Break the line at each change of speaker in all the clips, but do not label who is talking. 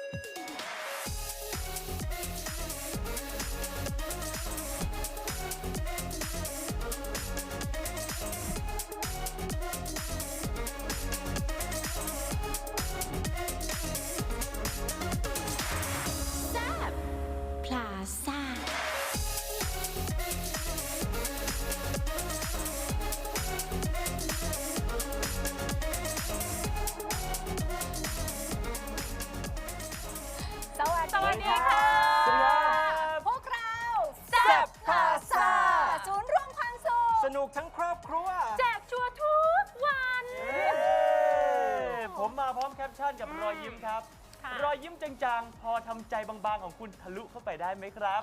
สวัสดีค่ะพวกเราแซ่บพาซาศูนย์รวมความสุข
สนุกทั้งครอบครัว
แจกชัวร์ทุกวัน
ผมมาพร้อมแคปชั่นกับรอยยิ้มครับรอยยิ้มจางๆพอทำใจบางๆของคุณทะลุเข้าไปได้ไหมครับ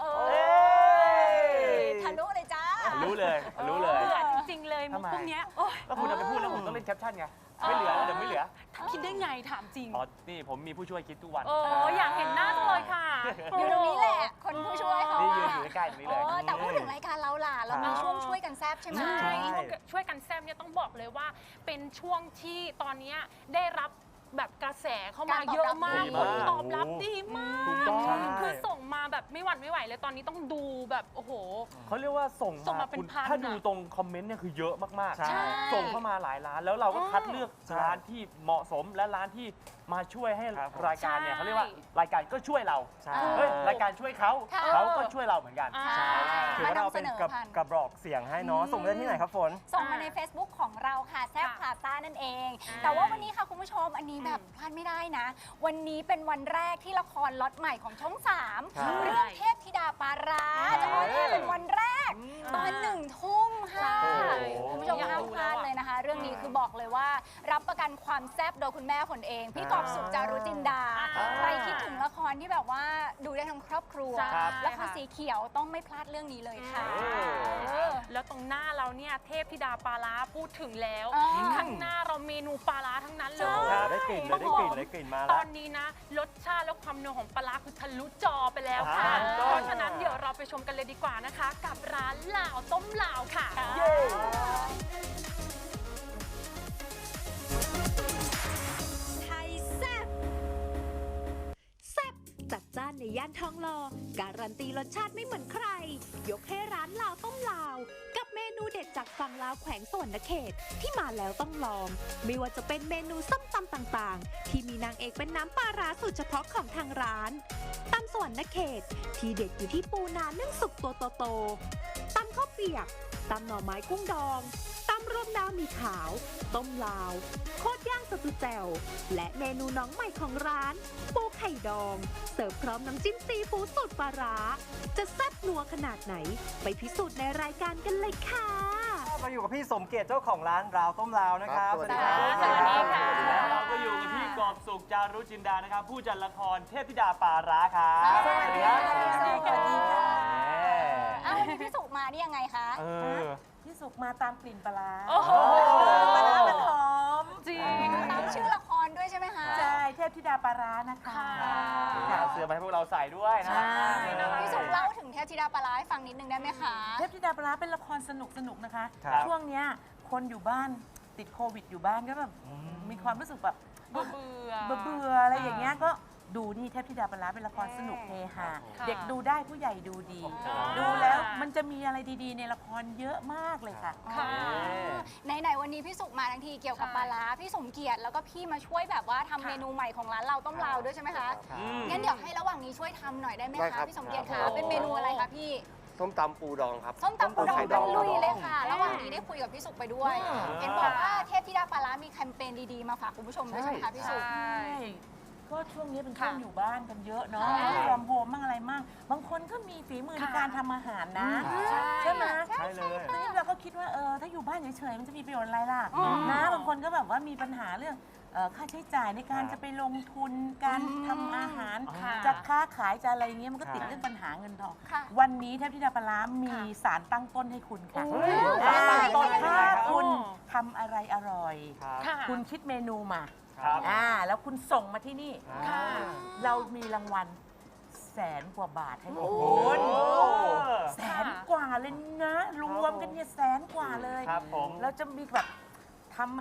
ทะลุเลยจ้า
รู้เลยรู้เลย
เบื่อจริงๆเลยมุกพวกนี้
แล้วคุณจะไปพูดแล้วผมต้องเล่นแคปชั่นไงไม่เหลือเดี๋ยวไม่เหลือ
คิดได้ไงถามจริง
นี่ผมมีผู้ช่วยคิดทุกวัน
อยากเห็นหน้าจังเลยค่ะ
อยู่ตรงนี้แหละคนผู้ช่วยเขา
นี่ยืนอยู่ใกล้ๆตรงนี้เลย
แต่พูดถึงรายการเราล่ะเรามีช่วงช่วยกันแซบใช่ไหม
ช่วยกันแซบเนี่ยต้องบอกเลยว่าเป็นช่วงที่ตอนนี้ได้รับแบบกระแสเข้ามาเยอะมากผลตอบรับดีมากคือส่งมาแบบไม่หวั่นไม่ไหวเลยตอนนี้ต้องดูแบบโอ้โห
เขาเรียกว่าส่งมาเป็นพันถ้าดูตรงคอมเมนต์เนี่ยคือเยอะมากๆส่งเข้ามาหลายร้านแล้วเราก็คัดเลือกร้านที่เหมาะสมและร้านที่มาช่วยให้รายการเนี่ยเขาเรียกว่ารายการก็ช่วยเรารายการช่วยเขาก็ช่วยเราเหมือนกัน
ถือว่าเราเป็นกระบอกเสียงให้เนาะส่งได้ที่ไหนครับฝน
ส่งมาใน Facebook ของเราค่ะแซ่บพาซ่านั่นเองแต่ว่าวันนี้ค่ะคุณผู้ชมอันนี้แบบพลาดไม่ได้นะวันนี้เป็นวันแรกที่ละครล็อตใหม่ของช่อง3เรื่องเทพธิดาปาราจะออนแอร์เป็นวันแรกตอน1 ทุ่มค่ะคุณผู้ชมห้ามพลาดเลยนะคะเรื่องนี้คือบอกเลยว่ารับประกันความแซ่บโดยคุณแม่คนเองพี่กอบสุขจารุจินดาใครคิดถึงละครที่แบบว่าดูได้ทั้งครอบครัวละครสีเขียวต้องไม่พลาดเรื่องนี้เลยค่ะ
แล้วตรงหน้าเราเนี่ยเทพธิดาปลาร้าพูดถึงแล้วข้างหน้าเราเมนูปลาร้าทั้งนั้นเลย
ได้กลิ่นเลยได้กลิ่นมาแล้ว
ตอนนี้นะรสชาติและความนัวของปลาร้าคือทะลุจอไปแล้วค่ะเพราะฉะนั้นเดี๋ยวเราไปชมกันเลยดีกว่านะคะกับร้านลาวต้มลาวค่ะ
จัดจ้านในย่านทองหล่อการันตีรสชาติไม่เหมือนใครยกให้ร้านลาวต้มลาวกับเมนูเด็ดจากฝั่งลาวแขวงสวรรณเขตที่มาแล้วต้องลองไม่ว่าจะเป็นเมนูส้มตำต่างๆที่มีนางเอกเป็นน้ำปลาร้าสูตรเฉพาะของทางร้านตำสวรรณเขตที่เด็ดอยู่ที่ปูนานึ่งสุกตัวโตๆตำข้าวเปียกตำหน่อไม้กุ้งดองตำรวมดาวมีขาวต้มลาวโคตรย่างสตูแจ่วและเมนูน้องใหม่ของร้านปูไข่ดองเสิร์ฟพร้อมน้ำจิ้มซีฟู้ดสูตรปลาร้าจะแซ่บนัวขนาดไหนไปพิสูจน์ในรายการกันเลยค่ะ
มาอยู่กับพี่สมเกียรติเจ้าของร้านราวต้มลาวนะครับ
สวัสดีครับสวัสดีค่ะ
แล้วเราก็อยู่กับพี่กอบสุขจารุจินดานะครับผู้จัดละครเทพธิดาปาร้าครับ
สวัสดีครับสวัสดีค่ะวันนี้พี่สุมานี่ยังไงคะ
พี่สุกมาตามกลิ่นปลา
ปลาร้ามันหอม
จริง
ตามชื่อละครด้วยใช่ไหมคะ
ใช่เทพธิดาปลาร้านะคะ
เสื้อมาให้พวกเราใส่ด้วยนะ
พี่สุเล่าถึงเทพธิดาปลาร้าให้ฟังนิดนึงได้ไหมคะ
เทพธิดาปลาร้าเป็นละครสนุกนะคะช่วงเนี้ยคนอยู่บ้านติดโควิดอยู่บ้านก็แบบมีความรู้สึกแบบ
เบื่อ
อะไรอย่างเงี้ยก็ดูนี่เทพธิดาปลาร้าเป็นละครสนุกเฮฮาเด็กดูได้ผู้ใหญ่ดูดีดูแล้วมันจะมีอะไรดีๆในละครเยอะมากเลยค่ะ
ไหนวันนี้พี่สุมาทั้งทีเกี่ยวกับปลาร้าพี่สมเกียรติแล้วก็พี่มาช่วยแบบว่าทำเมนูใหม่ของร้านเราต้มลาวด้วยใช่ไหมคะงั้นเดี๋ยวให้ระหว่างนี้ช่วยทำหน่อยได้ไหมคะพี่สมเกียรติคะเป็นเมนูอะไรคะพี่
ส้มตำปูดองครับ
ส้มตำปูดองกันลุยเลยค่ะระหว่างนี้ได้คุยกับพี่สุไปด้วยเห็นบอกว่าเทพธิดาปลาร้ามีแคมเปญดีๆมาฝากคุณผู้ชมด้วยใช่ไหมคะพี่สุ
ก็ช่วงนี้เป็นช่วงอยู่บ้านกันเยอะเนาะรวมโฮมมั่งอะไรมั่งบางคนก็มีฝีมือในการทำอาหารนะใช่ไหม
ใช่เลย
เราก็คิดว่าถ้าอยู่บ้านเฉยๆมันจะมีประโยชน์อะไรล่ะนะบางคนก็แบบว่ามีปัญหาเรื่องค่าใช้จ่ายในการจะไปลงทุนการทำอาหารจะค้าขายจะอะไรเงี้ยมันก็ติดเรื่องปัญหาเงินทองวันนี้เทพธิดาปลาร้ามีสารตั้งต้นให้คุณค่ะถ้าคุณทำอะไรอร่อยคุณคิดเมนูมาแล้วคุณส่งมาที่นี่เรามีรางวัล100,000 กว่าบาทให้คุณ100,000 กว่าเลยนะรวมกันเนี่ย100,000 กว่าเลยเราจะมีแบบท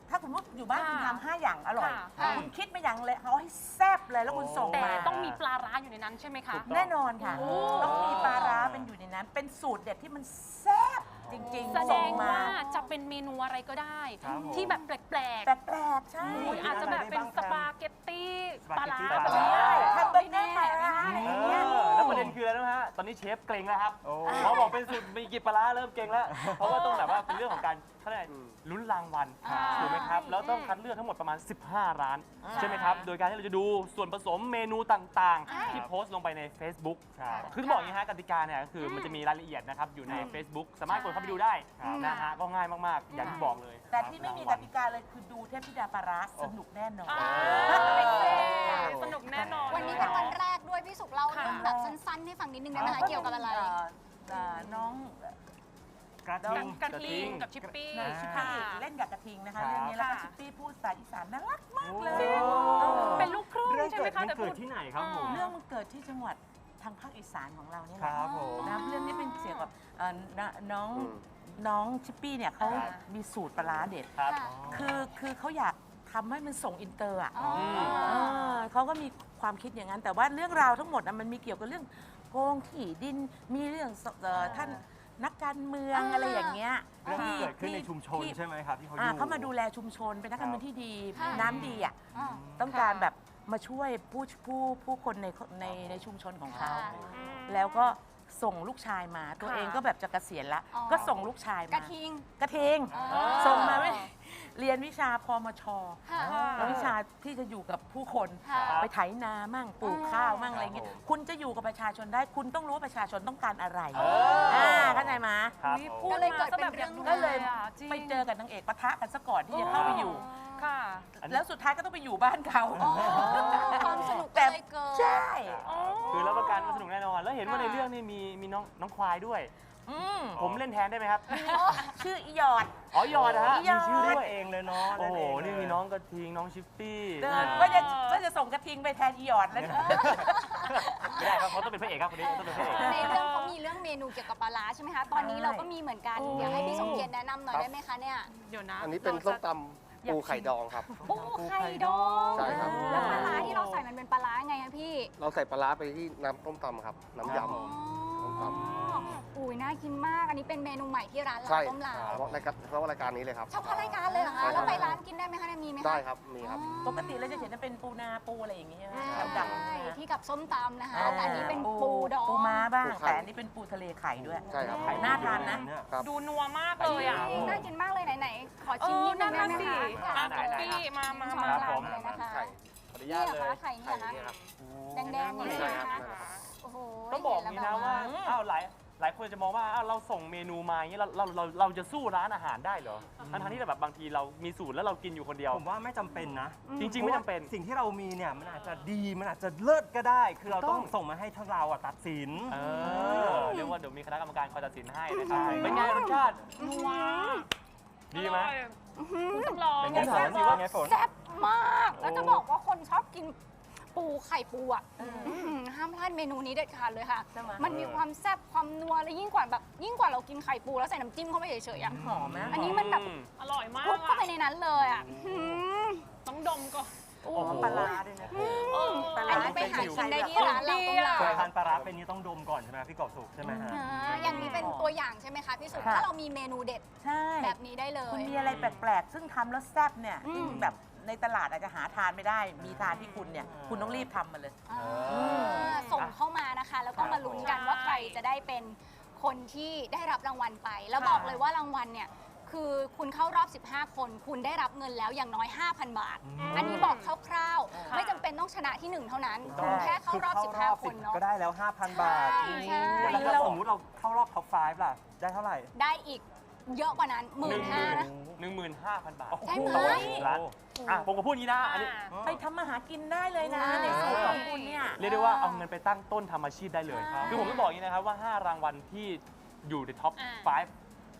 ถ้าคุณมุกอยู่บ้านคุณทำ5 อย่างอร่อย
ค่ะ
คุณคิดมาอย่างเลยเอาให้แซ่บเลยแล้วคุณส่ง
แต่
มา
ต้องมีปลาร้าอยู่ในนั้นใช่ไหมคะ
แน่นอนค่ะ
โอ้
ต้องมีปลาร้าเป็นอยู่ในนั้น เป็นสูตรเด็ดที่มันแซ่บจริง
แส
ๆ
ด
ส่ง
ง
มา
ว่าจะเป็นเมนูอะไรก็ได้
ครับผม
ที่แบบแปลก
แปลกๆใช่
ๆอุ๊ยอาจจะแบบเป็นสปาเกตตี้ปลาร้า
สปาเกตตี้ปลาร้า
ก็ได้
ทำเบอร์เกอร์ปลาร้าอะไรอย่างเงี้ย
แล้วประเด็นคืออะไรนะฮะ ตอนนี้เชฟเกรงแล้วครับ
โอ้
พอบอกเป็นสูตรมีกี่ปลาร้าเริ่มเกรงแล้ว เพราะว่าต้องแบบว่าเป็นเรื่องของการเขาเรียกอะไรลุ้นรางวัลถูกไหมครับ แล้วต้องคัดเลือกทั้งหมดประมาณ 15 ร้าน ใช่ไหมครับ โดยการที่เราจะดูส่วนผสมเมนูต่างๆ ที่โพสต์ลงไปใน Facebook
ใช่
คือต้องบอกอย่างนี้ฮะกติกาเนี่ยก็คือมันจะมีรายละเอียดนะครับอยู่ใน Facebook สามารถกดเข้าไปดูได้
ครับ
นะฮะก็ง่ายมากๆ อย่างที่บอกเลย
แต่ที่ไม่มีกติกาเลยคือดูเทพธิดาปลาร้าสนุกแน่นอน
สนุกแน่นอน
วันนี้เป็นวันแรกด้วยพี่สุกเล่า
ค่ะ
เรื่องแบบสั้นๆให้ฟังนิดนึงได้ไหมคะเกี่ยวกับอะไร
น้อง
กระทิง
กระทิงกับชิปปี้
น้องชิป
ค่ะ
ปี้เล่นกับกระทิงนะคะ
ครับ
เรื่องนี้แล้วก็
ค่ะ
ชิปปี้พูดภาษาอีสานน่ารักมากเลย
เป็นลูกครึ่ง
เรื่อง
ใช่ไห
เกิ
ม
ด
คะ
มัน
แต่
เกิ
พู
ด
ด
ที่ไหนครับผม
เรื่องมันเกิดที่จังหวัดทางภาคอีสานของเราเนี่ย
ค
แหละ
รับผม
นะเรื่องนี้เป็นเกี่ยวกับน้องชิปปี้เนี่ยเขา
ครับ
มีสูตรปลาร้าเด็ด
ครับ
คือเขาอยากทำให้มันส่งอินเตอร์อ่ะ
อ๋อ
เขาก็มีความคิดอย่างนั้น แต่ว่าเรื่องราวทั้งหมดมันมีเกี่ยวกับเรื่องโกงที่ดินมีเรื่องท่านนักการเมืองอะไรอย่างเงี้ย
เรื่องที่เกิดขึ้นในชุมชน
ที่
ใช่ไหมครับที่เขาอยู่
เขามาดูแลชุมชนเป็นนักการเมืองที่ดี
ค่ะ
น้ำดีอ่ะ
อ๋อ
ต้องการแบบมาช่วยผู้คนในชุมชนของเขา
ค่ะ
แล้วก็ส่งลูกชายมาตัว
ค่ะ
เองก็แบบจะเกษียณละ
อ๋อ
ก็ส่งลูกชาย
ก
มา
ระทิง
กระทิง
อ๋อ
ส่งมาไม่เรียนวิชาพมช
ค่ะ
แล้ววิชาที่จะอยู่กับผู้คน
ค่ะ
ไปไถนามั่งปลูกข้าวมั่งอะไรเงี้ยคุณจะอยู่กับประชาชนได้คุณต้องรู้ว่าประชาชนต้องการอะไรเข้าใจไหม
ครับ
อุ๊ย
ผม
พูด
ก็เลย
มา
เกิด
ซะ
เป็น
แบบอยาก
เรื่อง
ดู
ก็เลย
อะจริง
ไปเจอกับนางเอกปะทะกันซะก่อนที่จะเข้าไปอยู่
ค่ะ
แล้วสุดท้ายก็ต้องไปอยู่บ้านเขา
อ๋อความสนุกก็
แต่
เลยเกิด
ใช่
คือรับประกันว่าสนุกแน่นอน แล้วเห็นว่าในเรื่องนี้มีน้องควายด้วย ผมเล่นแทนได้ไหมครับ
ชื่ออีหยอด
อ๋อหยอดนะฮะ
หยอด
มีชื่อ
เล่
ด้
น
วย
เองเลยเนาะ
โอ้โห
เล่เง
นี่
เลย
มีน้องกระทิง น้องชิปปี้
ก็จะส่งกระทิงไปแทนอีหยอดแล้ว
ไม่ได้ครับเขาต้องเป็นพระเอกครับคนนี้ต้องเป็นพระเอก
ในเรื่องเขามีเรื่องเมนูเกี่ยวกับปลาร้าใช่ไหมคะ ตอนนี้เราก็มีเหมือนกัน เดี๋ยวให้พี่สมเกียรติแนะนำหน่อยได้ไหมคะเนี่ย
เดี๋ยวนะ
อันนี้เป็นส้มตำปูไข่ดองครับ
ปูไข่ดอง
ใช่ครับ
แล้วปลาร้าที่เราใส่มันเป็นปลาร้าไงคะพี่
เราใส่ปลาร้าไปที่น้ำต้มตำครับ น้ำย
อ๋ออุ้ยน่ากินมาก อันนี้เป็นเมนูใหม่ที่ร้าน
ำ
เรา
ใช่
ต้มลาว
เพราะรายการนี้เลยครับ
เฉพาะรายการเลยเหรอคะ แล้วไปร้านกินได้ไหมคะเนี่ยมีไหมคะ
ได้ครับ มีครับ
ปกติเราจะเห็นว่าเป็นปูนาปูอะไรอย่างเงี้ย
ใช่
ดำๆ
ที่กับส้มตำนะคะแต่อันนี้เป็นปูดอง
ปูม้าบ้าง
ปูไข่
แต่อันนี้เป็นปูทะเลไข่ด้วย
ใช่ครับ
ไข่น่าทานนะ
ครับ
ดูนัวมากเลยอ่ะ
น่ากินมากเลยไหนๆ ขอชิมนิดนึงได้ไหม
สิ
คะ
อ่ะคุกกี้มา
ช้อน
ครับ
ก
ผ
ลาง
ม
เลยนะคะ
ไข่
ขออนุ
นี่
ญาต
เหรอ
เลย
คะไข่นี่
ไข่
เหรอ
นี่
คะ
ครับ
แดงๆนี่
ใช่
นะ
ครั
คะ
บ
โอ้โห
ต้องบอกอย่างนี้นะว่าอ้าวหลายคนจะมองว่าอ้าวเราส่งเมนูมาอย่างนี้เราจะสู้ร้านอาหารได้เหรอทั้งที่แบบบางทีเรามีสูตรแล้วเรากินอยู่คนเดียว
ผมว่าไม่จำเป็นนะ
จริงๆไม่จำเป็น
สิ่งที่เรามีเนี่ยมันอาจจะดีมันอาจจะเลิศก็ได้ คือเราต้อง
ถูกต้อง
ส่งมาให้ทั้งเราตัดสิน
เรียกว่าเดี๋ยวมีคณะกรรมการคอยตัดสินให้นะครับ
ใช่
เป็นไงรสชาติ
นัว
ดีไหม
คุณจำลอง
เป็นไงฝนสิว่าไงฝน
แซ่บมาก แล้วจะบอกว่าคนชอบกินปูไข่ปูอ่ะห้ามพลาดเมนูนี้เด็ดขาดเลยค่ะ
ใช่ไหม
มันมีความแซ่บความนัวและยิ่งกว่าเรากินไข่ปูแล้วใส่น้ำจิ้มเข้าไปเฉยๆอ่ะ
หอมนะ
อันนี้มันแบบ
อร่อยมาก
คลุกเข้าไป
อะ
ในนั้นเลยอ่ะ
ต้องดมก่อน
โอ้ปลาร้าด้วยนะปลา
อั
ร้าน
นี้ไปหากินได้ที่ร้านเราต้มลา
เคยทานปลาร้าเป็นนี้ต้องดมก่อนใช่ไหมพี่กอบสุกใช่ไหมฮะ
อย่างนี้เป็นตัวอย่างใช่ไหมคะพี่สุ
ค่ะ
ถ้าเรามีเมนูเด็ด
ใช่
แบบนี้ได้เลย
คุณมีอะไรแปลกๆ ซึ่งทำแล้วแซ่บเนี่ย
อืม
ที่แบบในตลาดอาจจะหาทานไม่ได้ มีทานที่คุณเนี่ย คุณต้องรีบทำมาเลย
ส่งเข้ามานะคะ แล้วก็มาลุ้นกันว่าใครจะได้เป็นคนที่ได้รับรางวัลไป แล้วบอกเลยว่ารางวัลเนี่ยคือคุณเข้ารอบ 15 คน คุณได้รับเงินแล้วอย่างน้อย 5,000 บาท อันนี้บอกคร่าวๆ ไม่จำเป็นต้องชนะที่ 1 เท่านั้น คุณแค่เข้ารอบ 15 คนเนาะ
ก็ได้แล้ว 5,000 บาท
ใช่ใช่
แล้วถ้าสมมุติเราเข้ารอบท็อป 5 ล่ะ ได้เท่าไหร่
ได้อีกเยอะกว่านั้น 15,000นะ
15,000 บาท
ใช่ไหม
ต่อร้านอ่ะผมก็พูดอย่างนี้นะอันนี้
ไปทำมาหากินได้เลยนะ
ใช่
ในสูตรของคุณเนี่ย
เรียกได้ว่าเอาเงินไปตั้งต้นทำอาชีพได้เลย
ใช่
คือผมต้องบอกอย่างนี้นะครับว่า 5 รางวัลที่อยู่ในท็อป
อ่า
5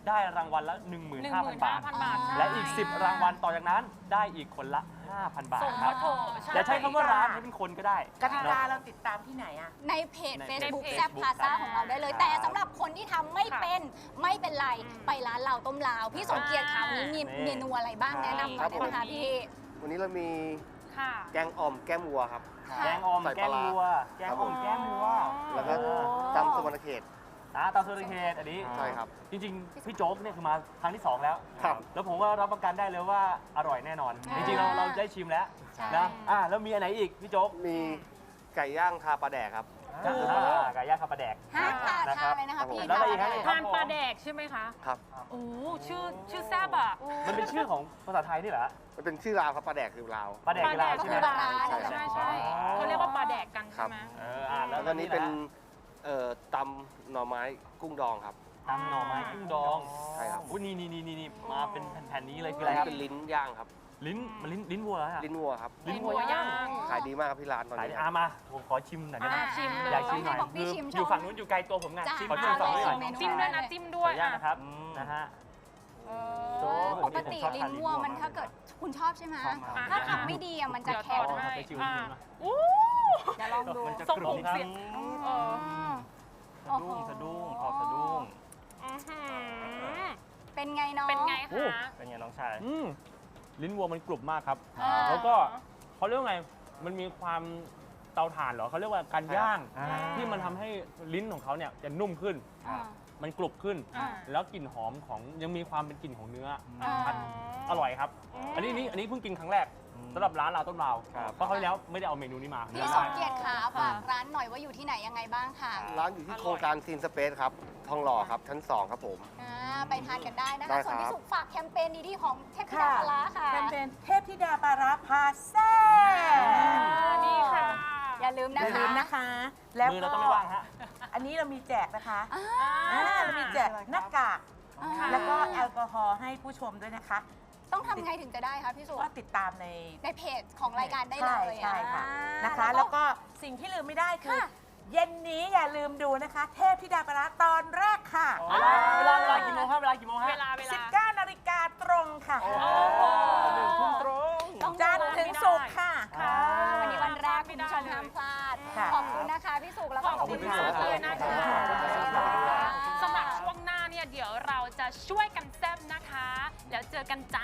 ได้รางวัลละ 15,000 บาท
15,000 บาท
และอีก 10 รางวัลต่อจากนั้นได้อีกคนละ 5,000 บาท
ส่ง
ครั
มา
บ
โถ
อย่าใช้คำว่าร้านให้เป็นคนก็ได้
กติกาเราติดตามที่ไหนอะ
ในเพจ
ใน
Facebook
เพจ
แซ่บพาซ่าของเราได้เลย
ครับ
แต่สำหรับคนที่ทำไม่เป็นไม่เป็นไร ไปร้านเราต้มลาว พี่สมเกียรติค่ะวันนี้มี
นี่
เมนูอะไรบ้างแนะนำหน่อยได้ไหมคะพี่
วันนี้เรามี
ค่ะ
แกงอ่อมแก้มวัวครับ
แกงอ่อม
ใส่
แก
ปลาง ร้า
วัวแกงอ่อมแกงวัว
แล้วก็ตำสวรรณเขต
ตามสุรเขตอันนี้
ใช่ครับ
จริงๆ พี่โจ๊กเนี่ยคือมาครั้งที่ 2 แล้ว
ครับ
แล้วผมก็รับประกันได้เลยว่าอร่อยแน่นอน
อ่า
จริงๆ เราได้ชิมแล้ว
ใช่
นะแล้วมีอันไหนอีกพี่โจ๊ก
มีไก่ย่างทาปลาแดกครับ
ไก่ย่างข้าวปลาแดก
ฮะทาน
นะครับ
เลยนะคะพี่
แล้วอะไรอีกฮะ
ทานปลาแดกใช่ไหมคะ
ครับ
โอ้ชื่อแซ่บอ่ะ
มันเป็นชื่อของภาษาไทยนี่เหรอ
มันเป็นชื่อราวครับปลาแดกคือราว
ปลาแดกกีฬา
ก็
ใช่
คื
ไหม
อร้าน
ใช่
ใช่ใช่เขาเรียกว่าปลาแดกกันใช่ไหม
แล้
แล้ว ว
ก็
ก็
นี่
นี้
เป็
เป็น นตำหน่อไม้กุ้งดองครับ
ตำหน่อไม้กุ้งดอง
ใช่ครับ
อุ้ยนี่มาเป็นแผ่นๆนี้เลยคือ
อั
อะ
น
ไร
นี้
ครับ
เป็นลิ้นย่างครับ
ลิ้นวัวเหรอฮะ
ลิ้นวัวครับ
ลิ้นวัวย่าง
ขายดีมากครับที่ร้านตอน
ขาย
นี้
ดีมาผมขอชิมหน่อยได้ไหม
ชิมเลย
อยากชิมหน่อย
บอกพี่
คือ
ชิม
อยู่ฝั่งนู้นอยู่ไกลตัวผมไง
จ้ะ
ชิม
ขอ
ชิมฝั่งนี้หน่อย
เมนู
จิ้มด้วยนะจิ้มด้
ข
ว
อย อนุญาต
อ่ะ
นะครับนะฮะ โจ๊ก
ปกติลิ้นวัวมันถ้าเกิดคุณชอบใช่ไหม
ชอบมาก
ถ้าทำไม่ดีอะมันจะแข็ง
เดี๋ยวต่อให้
ไปชิม
อ่ะ
ชิมนะ
อู้
เดี๋ยวลองดู
มันจะ
ทรง
กรุ
อบ ง
ครับ
เสียงเออ
โอ้โห
สะดุ้งพอสะดุ้ง
อื้อหือ
เป็นไงน้อง
เป็นไง
โอ้
คะ
เป็นไงน้องชาย
ลิ้นวัวมันกรุบมากครับ
อ่า
แล้วก็เขาเรียกว่าไง มันมีความเตาถ่านเหรอเขาเรียกว่าการย่าง
อ่า
ที่มันทำให้ลิ้นของเขาเนี่ยจะนุ่มขึ้น
อ่า
มันกรุบขึ้น
อ่า
แล้วกลิ่นหอมของยังมีความเป็นกลิ่นของเนื้อ
อ่า
ชัดอร่อยครับ อันนี้เพิ่งกินครั้งแรกสำหรับร้านเราต้นราว
ครับ
เพราะเขาวที่แล้วไม่ได้เอาเมนูนี้มา
พี่สมเกียรติขาฝากร้านหน่อยว่าอยู่ที่ไหนยังไงบ้างค่ะ
ร้านอยู่ที่โครงการซีนสเปซครับทองหล่อครับชั้น 2 ครับผม
ไปทานกันได้นะ
ได้
คะ
ครับ
ส่วนพี่สุฝากแคมเปญดีๆของเทพธิดาปลาร้าค่ะ
เป็นเทพธิดาปลาร้าพาแซ่บ
นี่ค่ะ
อย่าลืมนะ
อย่าลื
คะ
มนะคะ แล้ว
มือเรา
ก็
ต้องไม่ว่างฮะ
อันนี้เรามีแจกนะคะ
อ่า
เรามีแจกหน้ากาก
ค่ะ
แล้วก็แอลกอฮอล์ให้ผู้ชมด้วยนะคะ
ต้องทำไงถึงจะได้คะพี่สุ
ก็ติดตามใน
ในเพจของรายการได้เลย
ใช่ค่ะ
อ่า
นะคะ แล้วก็สิ่งที่ลืมไม่ได้คือ
ค่ะ
เย็นนี้อย่าลืมดูนะคะ เทพธิดาปลาร้าตอนแรกค่ะ
เวลากี่โมงครับเวลากี่โมงฮะ
เวลา
19 นาฬิกาตรงค่ะ
โอ้โห
ทุ่มตรง
ต้อง
จันทร์ถึงศุกร์ค่ะ
ค่ะ
วันนี้วันแรกคุณผู้ชมห้ามพลาด
ค่ะ
ขอบคุณนะคะพี่สุแล้วก็ขอบคุณ
ขอบคุณ
ค่ะ
พี่สุ
นะคะ สำหรับช่วงหน้าเนี่ยเดี๋ยวเราจะช่วยกันแซ่บนะคะ แล้วเจอกันจ้า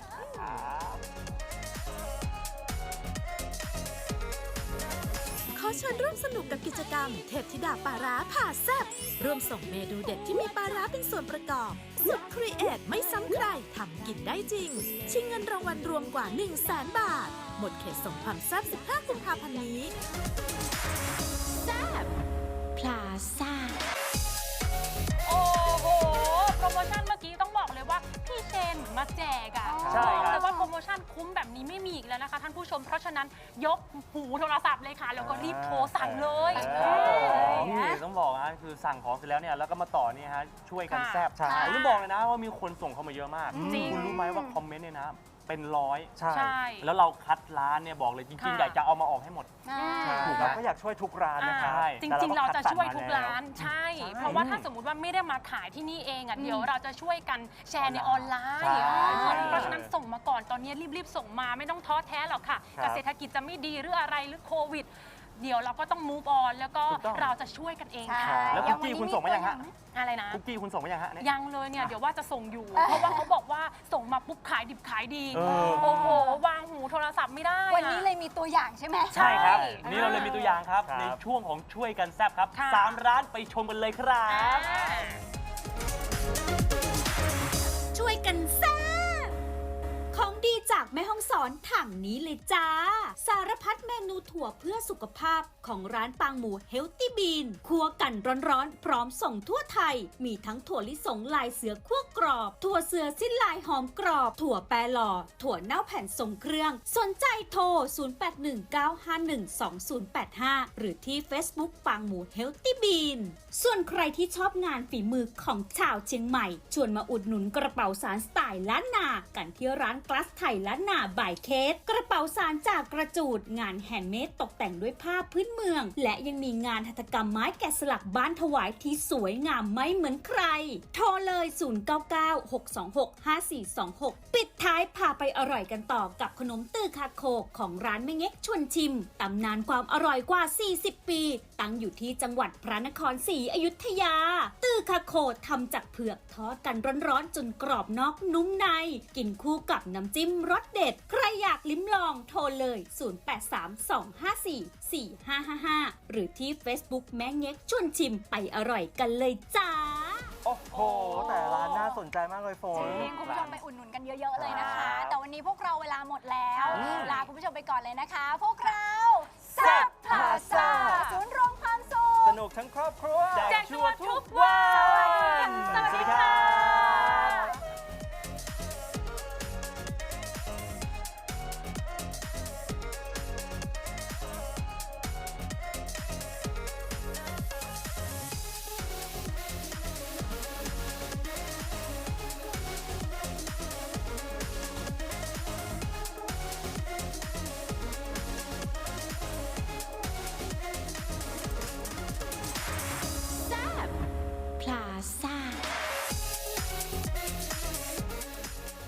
ขอเชิญร่วมสนุกกับกิจกรรมเทพธิดาปลาร้าผ่าแซ่บร่วมส่งเมนูเด็ดที่มีปลาร้าเป็นส่วนประกอบ สุดครีเอทไม่ซ้ำใครทำกินได้จริง ชิงเงินรางวัลรวมกว่า 100,000 บาท หมดเขตส่งความแซ่บ 15 กุมภาพันธ์นี้ แซ่บพลาซ่า
โอ้โห โปรโมชั่นเมื่อกี้ต้องบอกเลยว่าพี่เชนมาแจกอ่ะ
ใช่ครับ
แต่ว่าโปรโมชั่นคุ้มแบบนี้ไม่มีอีกแล้วนะคะท่านผู้ชม เพราะฉะนั้นยกหูโทรศัพท์เลยค่ะ แล้วก็รีบโทรสั่งเลย
นี่ต้องบอกนะคือสั่งของเสร็จแล้วเนี่ยแล้วก็มาต่อนี่ฮะช่วยกัน
ค่ะ
แซ่บ
ใช่
ผมต้องบอกเลยนะว่ามีคนส่งเข้ามาเยอะมาก
จริง
คุณรู้ไหมว่าคอมเมนต์เนี่ยนะเป็นร้อย
ใช่
ใช่
แล้วเราคัดร้านเนี่ยบอกเลยจริงๆ
ค่ะ
อยากจะเอามาออกให้หมด
ถูกเราก็อยากช่วยทุกร้านนะครับ
ใช่
จ
แต่
ริงๆ เราจะช่วยทุก
คัดสม
ร้าน
ม
ใช่
ใช่
เพราะว่าถ้าสมมุติว่าไม่ได้มาขายที่นี่เองอ่ะเดี๋ยวเราจะช่วยกันแชร์ในออนไลน์
ใช่
เพราะฉะนั้นส่งมาก่อนตอนนี้รีบๆส่งมาไม่ต้องท้อแท้หรอกค่ะ
ครับ
เศรษฐกิจจะไม่ดีหรืออะไรหรือโควิด เดี๋ยวเราก็ต้อง move on แล้วก็
ถูกต้อง
เราจะช่วยกันเอง
ใช่
ค่ะ
แล้วคุกกี้คุณส่งมายังฮะ
อะไรนะ
คุกกี้คุณส่งมายังฮะเนี่ย
ยังเลยเนี่ยเดี๋ยวว่าจะส่งอยู่ เพราะว่าเขาบอกว่าส่งมาปุ๊บขายดิบขายดี
เออ
โอ้โหวางหูโทรศัพท์ไม่ได้อะ
วันนี้เลยมีตัวอย่างใช่ไหม
ใช่ครับ
ใช่
นี่เราเลยมีตัวอย่างครับ
ครับ
ในช่วงของช่วยกันแซ่บครับ
ค่ะ
3 ร้านไปชมกันเลยครับ
ช่วยกันแซ่บของดีจากแม่ฮ่องสอนถังนี้เลยจ้า สารพัดเมนูถั่วเพื่อสุขภาพของร้านปางหมูเฮลตี้บีนคั่วกันร้อนๆ พร้อมส่งทั่วไทย มีทั้งถั่วลิสงลายเสือคั่วกรอบ ถั่วเสือสิ้นลายหอมกรอบ ถั่วแปรหล่อ ถั่วเน่าแผ่นทรงเครื่อง สนใจโทร 0819512085 หรือที่ Facebook ปางหมูเฮลตี้บีนส่วนใครที่ชอบงานฝีมือของชาวเชียงใหม่ ชวนมาอุดหนุนกระเป๋าสารสไตล์ล้านนา กันที่ร้านกลาสไทยล้านนาบ่ายเคสกระเป๋าสารจากกระจูดงานแฮนด์เมดตกแต่งด้วยผ้าพื้นเมืองและยังมีงานหัตถกรรมไม้แกะสลักบ้านถวายที่สวยงามไม่เหมือนใครโทรเลย 0996265426 ปิดท้ายพาไปอร่อยกันต่อกับขนมตื้อคาโคของร้านแม่เง็กชวนชิมตำนานความอร่อยกว่า 40 ปีตั้งอยู่ที่จังหวัดพระนครศรีอยุธยาตื้อคาโคทำจากเผือกทอดกันร้อนๆจนกรอบนอกนุ่มในกินคู่กับน้ำจิ้มรสเด็ดใครอยากลิ้มลองโทรเลย 0832544555 หรือที่ Facebook แม่เง็กชวนชิมไปอร่อยกันเลยจ้า
โอ้โห แต่ร้านน่าสนใจมากเลยฝน
จริงคุณผู้ชมไปอุดหนุนกันเยอะๆเลยนะคะ แต่วันนี้พวกเราเวลาหมดแล้วลาคุณผู้ชมไปก่อนเลยนะคะ พวกเราแซ่บพลาซ่าศูนย์รวมความสุข
สนุกทั้งครอบครัว
แจกชัวร์ทุกวัน
สวัสดีค่ะ